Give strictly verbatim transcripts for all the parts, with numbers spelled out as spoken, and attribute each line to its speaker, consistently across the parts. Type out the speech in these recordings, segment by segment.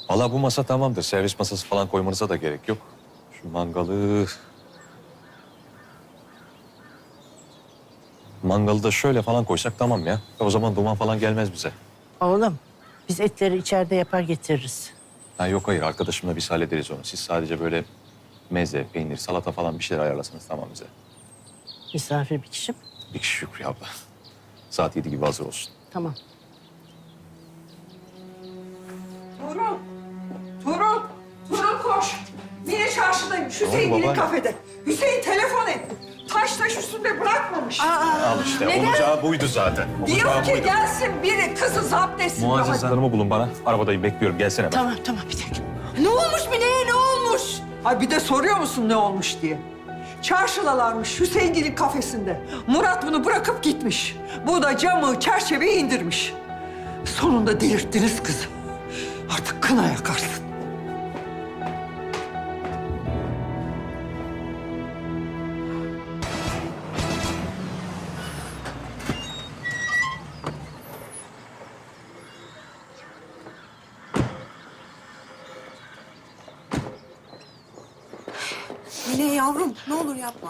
Speaker 1: Vallahi bu masa tamamdır. Servis masası falan koymanıza da gerek yok. Şu mangalı... Mangalı da şöyle falan koysak tamam ya. O zaman duman falan gelmez bize.
Speaker 2: Oğlum, biz etleri içeride yapar getiririz.
Speaker 1: Ha yok hayır, arkadaşımla biz hallederiz onu. Siz sadece böyle meze, peynir, salata falan bir şeyler ayarlasanız tamam bize.
Speaker 2: Misafir bir kişi mi?
Speaker 1: Bir kişi Şükrü abla. Saat yedi gibi hazır olsun.
Speaker 2: Tamam.
Speaker 3: Tuğrul, Tuğrul, Tuğrul koş. Mine çarşıdayım, Hüseyin'in
Speaker 1: babaanne?
Speaker 3: kafede. Hüseyin telefon et. Taş taş üstünde bırakmamış.
Speaker 1: Al işte.
Speaker 3: neden?
Speaker 1: Olacağı buydu zaten.
Speaker 3: Diyor
Speaker 1: Olacağı
Speaker 3: ki
Speaker 1: buydu.
Speaker 3: gelsin biri kızı zapt etsin.
Speaker 1: Muazzez
Speaker 3: Hadi.
Speaker 1: Hanım'ı bulun bana. Arabadayım, bekliyorum. Gelsene ben.
Speaker 2: Tamam, tamam bir dakika.
Speaker 3: Ne olmuş Mine'ye ne olmuş? Ay bir de soruyor musun ne olmuş diye. Çarşıdalarmış Hüseyin'in kafesinde. Murat bunu bırakıp gitmiş. Bu da camı, çerçeveyi indirmiş. Sonunda delirttiniz kızı. Artık kına yakarsın.
Speaker 4: Mine yavrum ne olur yapma.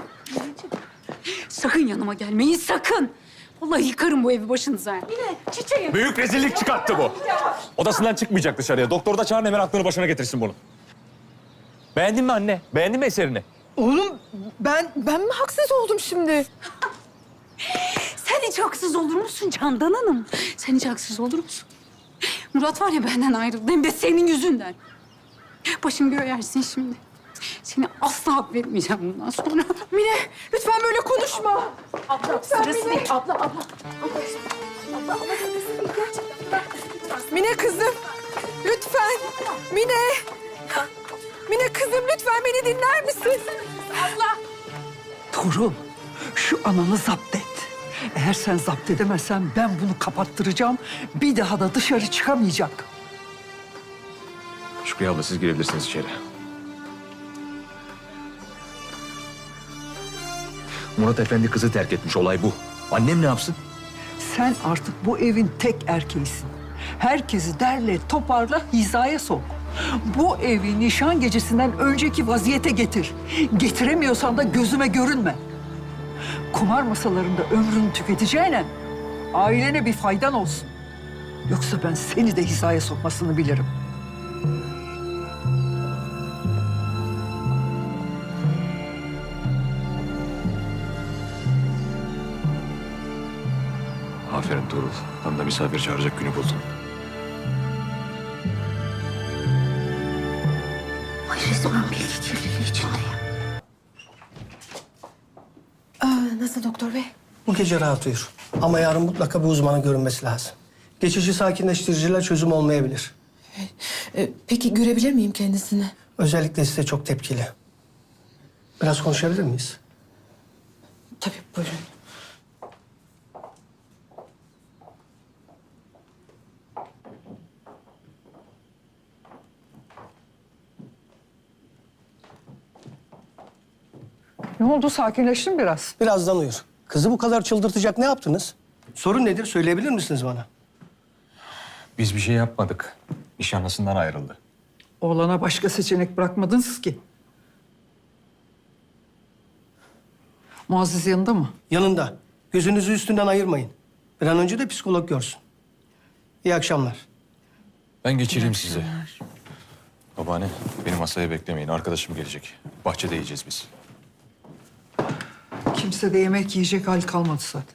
Speaker 5: Sakın yanıma gelmeyin, sakın. Vallahi yıkarım bu evi başınıza. Yine çiçeğim.
Speaker 1: Büyük rezillik çıkarttı bu. Odasından çıkmayacak dışarıya. Doktor da çağırın, hemen aklını başına getirsin bunu. Beğendin mi anne? Beğendin mi eserini?
Speaker 4: Oğlum ben ben mi haksız oldum şimdi?
Speaker 5: Sen hiç haksız olur musun Candan Hanım? Sen hiç haksız olur musun? Murat var ya benden ayrıldı, hem de senin yüzünden. Başım göğe yersin şimdi. Seni asla affetmeyeceğim bundan sonra.
Speaker 4: Mine lütfen böyle konuşma.
Speaker 5: Abla, sırası değil. Abla, abla.
Speaker 4: Mine kızım lütfen. Mine. Mine kızım lütfen beni dinler misin?
Speaker 5: Abla.
Speaker 3: Tuğrul, şu ananı zapt et. Eğer sen zapt edemezsen ben bunu kapattıracağım. Bir daha da dışarı çıkamayacak.
Speaker 1: Şükrü abla, siz girebilirsiniz içeri. Murat Efendi kızı terk etmiş. Olay bu. Annem ne yapsın?
Speaker 3: Sen artık bu evin tek erkeğisin. Herkesi derle, toparla, hizaya sok. Bu evi nişan gecesinden önceki vaziyete getir. Getiremiyorsan da gözüme görünme. Kumar masalarında ömrünü tüketeceğine ailene bir faydan olsun. Yoksa ben seni de hizaya sokmasını bilirim.
Speaker 1: Aferin Tuğrul. Tam da misafir çağıracak günü buldun.
Speaker 5: Ay resmen bilgi kirliliği içindeyim.
Speaker 4: Aa, nasıl doktor bey?
Speaker 6: Bu gece rahat uyur. Ama yarın mutlaka bir uzmanın görünmesi lazım. Geçici sakinleştiriciler çözüm olmayabilir.
Speaker 4: Ee, peki görebilir miyim kendisini?
Speaker 6: Özellikle size çok tepkili. Biraz konuşabilir miyiz?
Speaker 4: Tabii buyurun.
Speaker 3: Ne oldu? Sakinleştin biraz.
Speaker 6: Birazdan uyur. Kızı bu kadar çıldırtacak ne yaptınız? Sorun nedir? Söyleyebilir misiniz bana?
Speaker 1: Biz bir şey yapmadık. Nişanlısından ayrıldı.
Speaker 3: Oğlana başka seçenek bırakmadınız ki. Muazzez yanında mı?
Speaker 6: Yanında. Gözünüzü üstünden ayırmayın. Bir an önce de psikolog görsün. İyi akşamlar.
Speaker 1: Ben geçireyim sizi. Babaanne, beni masaya beklemeyin. Arkadaşım gelecek. Bahçede yiyeceğiz biz.
Speaker 3: Kimse de yemek yiyecek hal kalmadı zaten.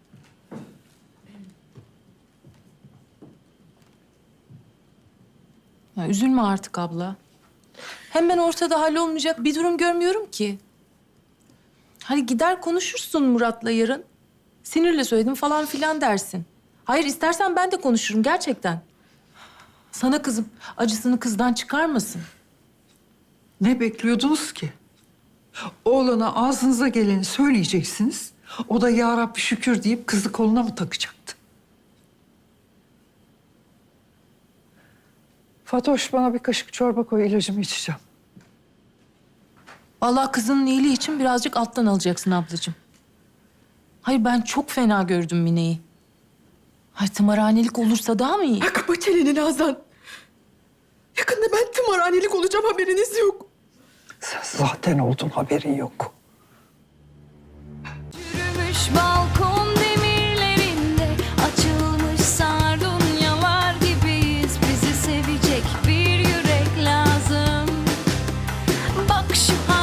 Speaker 7: Ya üzülme artık abla. Hem ben ortada hallolmayacak bir durum görmüyorum ki. Hani gider konuşursun Murat'la yarın. Sinirle söyledim falan filan dersin. Hayır istersen ben de konuşurum gerçekten. Sana kızım acısını kızdan çıkarmasın.
Speaker 3: Ne bekliyordunuz ki? Oğlana ağzınıza geleni söyleyeceksiniz. O da ya Rabbi şükür deyip kızı koluna mı takacaktı? Fatoş bana bir kaşık çorba koy, ilacımı içeceğim.
Speaker 7: Vallahi kızının iyiliği için birazcık alttan alacaksın ablacığım. Hayır ben çok fena gördüm Mine'yi. Ay tımarhanelik olursa daha mı iyi?
Speaker 4: Kapa çeneni Nazan. Yakında ben tımarhanelik olacağım, haberiniz yok.
Speaker 3: Sen zaten oldun, haberin yok.
Speaker 8: Yürümüş balkon demirlerinde açılmış sardunyalar gibiyiz. Bizi sevecek bir yürek lazım. Bak şu